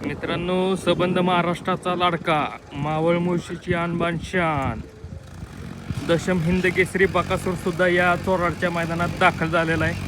मित्रांनो, सबंध महाराष्ट्राचा लाडका मावळ मुळशीची आणबान शान दशम हिंद केसरी बकासूर सुद्धा या चोराडच्या मैदानात दाखल झालेला आहे.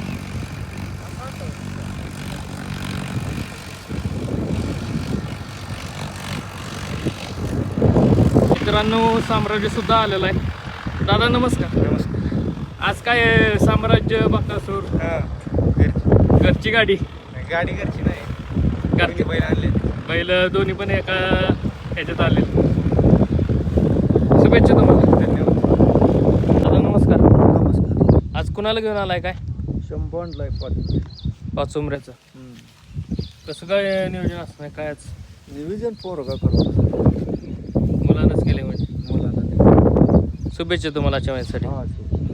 मित्रांनो, साम्राज्य सुद्धा आलेला आहे. दादा नमस्कार. नमस्कार. आज काय साम्राज्य बकासूर घरची गाडी घरची नाही, घरची बैल आणले. बैल दोन्ही पण एका ह्याच्यात आले. शुभेच्छा तुम्हाला. धन्यवाद. दादा नमस्कार. नमस्कार. आज कुणाला घेऊन आलाय काय? शंभरला पाच उमऱ्याचं. कसं काय नियोजन असणार काय? आज नियोजन पोरगा करतो, मुलांनाच केले म्हणजे. मुलांना. शुभेच्छा तुम्हाला आजच्या मॅचसाठी. हा,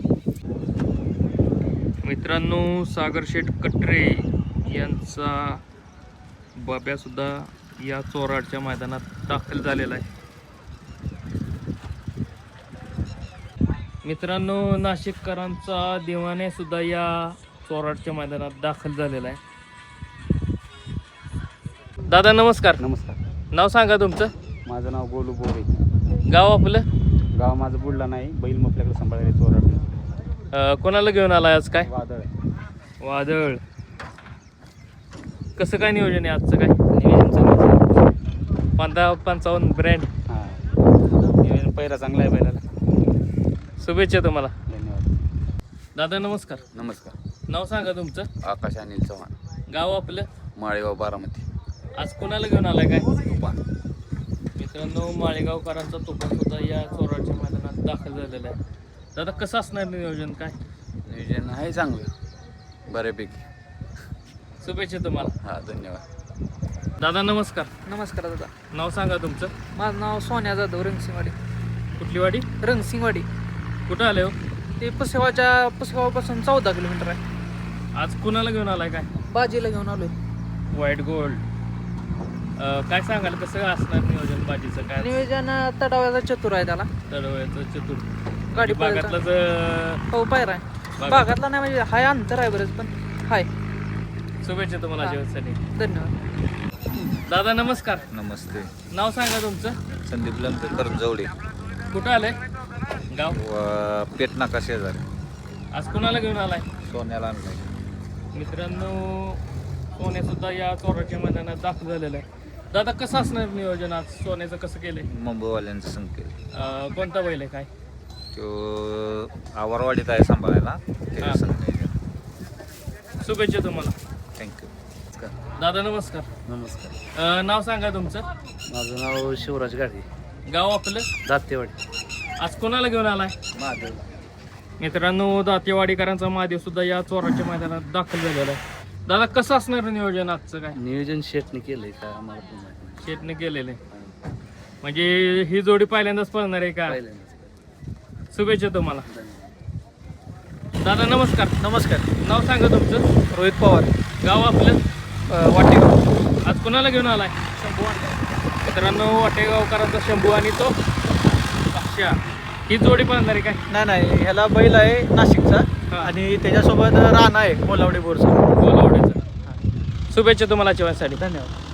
मित्रांनो, सागर शेठ कटरे यांचा बाब्या सुद्धा या चोराडच्या मैदानात दाखल झालेला आहे. मित्रांनो, नाशिककरांचा दिवाने सुद्धा या चोराडच्या मैदानात दाखल झालेला आहे. दादा नमस्कार. नमस्कार. नाव सांगा तुमचं. माझं नाव गोलू बोरे. गाव आपलं? गाव माझं बुडला नाही, बैल मग आपल्याकडे सांभाळायला चोराड. कोणाला घेऊन आलाय आज काय? वादळ आहे. वादळ. कसं काय नियोजन आहे आजचं काय? नियोजन चांगलं आहे. 55 ब्रँड. हां, नियोजन पहिला चांगला आहे बैलाला. शुभेच्छा तुम्हाला. धन्यवाद. दादा नमस्कार. नमस्कार. नाव सांगा तुमचं. आकाश अनिल चव्हाण, गाव आपलं? माळेगाव, बारामती. आज कोणाला घेऊन आलाय काय? तुफान. मित्रांनो, माळेगावकरांचा तुफान सुद्धा या चोराडच्या मैदानात दाखल झालेला आहे. दादा कसं असणार नियोजन काय? नियोजन आहे चांगलं, बऱ्यापैकी. शुभेच्छा तुम्हाला. हां, धन्यवाद. दादा नमस्कार. नमस्कार दादा. नाव सांगा तुमचं. माझं नाव सोन्या जाधव, रंगसिंगवाडी. कुठली वाडी? रंगसिंगवाडी. कुठं आले हो? ते पुसेगावापासून 14 किलोमीटर आहे. आज कुणाला घेऊन आलाय काय? बाजीला घेऊन आलोय. White gold. काय सांगाल कसं असणार नियोजन बाजीचं काय? नियोजन तडाव्याचा चतुर आहे त्याला. तडवयाचं चतुर. गाडी बागातलाच हो, पायरा आहे. बागातला नाही म्हणजे हाय, अंतर आहे बरंच, पण हाय. शुभेच्छा तुम्हाला हा. जेवणासाठी. धन्यवाद. दादा नमस्कार. नमस्ते. नाव सांगा तुमचं. संदीप लंकेकर जवळे, कुठं आलंय गाव? पेटनाका शेजारी. आज कुणाला घेऊन आलाय? सोन्याला आणलाय. मित्रांनो, सोने सुद्धा या चोराच्या मैदानात दाखल झालेलं आहे. दादा कसं असणार नियोजन आज? सोन्याचं कसं केलंय? मुंबईवाल्यांचं संकेत. कोणता बैल आहे काय? तो आवारवाडीत आहे सांभाळायला. हां. शुभेच्छा तुम्हाला. थँक्यू. दादा नमस्कार. नमस्कार. नाव सांगा तुमचं. माझं नाव शिवराज गाडी, गाव आपलं? दातेवाडी. आज कोणाला घेऊन आलाय? महादेव. मित्रांनो, दातेवाडीकरांचा महादेव सुद्धा या चोराच्या मैदानात दाखल झालेला आहे. दादा कसं असणार नियोजन आजचं काय? नियोजन शेटने केलंय का आम्हाला पण माहिती नाही. शेटने केलेलं आहे. म्हणजे ही जोडी पहिल्यांदाच पळणार आहे का? पहिल्यांदाच. शुभेच्छा तुम्हाला. धन्यवाद. दादा नमस्कार. नमस्कार. नाव सांगा तुमचं. रोहित पवार, गाव आपलं? वाटेगाव. आज कोणाला घेऊन आलाय? मित्रांनो, वाटेगावकरांचा शंभू आणि तो अक्षा, ही जोडी पळणार आहे काय? नाही, ह्याला बैल आहे नाशिकचा हा. आणि त्याच्यासोबत राणा आहे कोल्हावडी बोरचा. बोलावडीचं. शुभेच्छा तुम्हाला जेवणासाठी. धन्यवाद.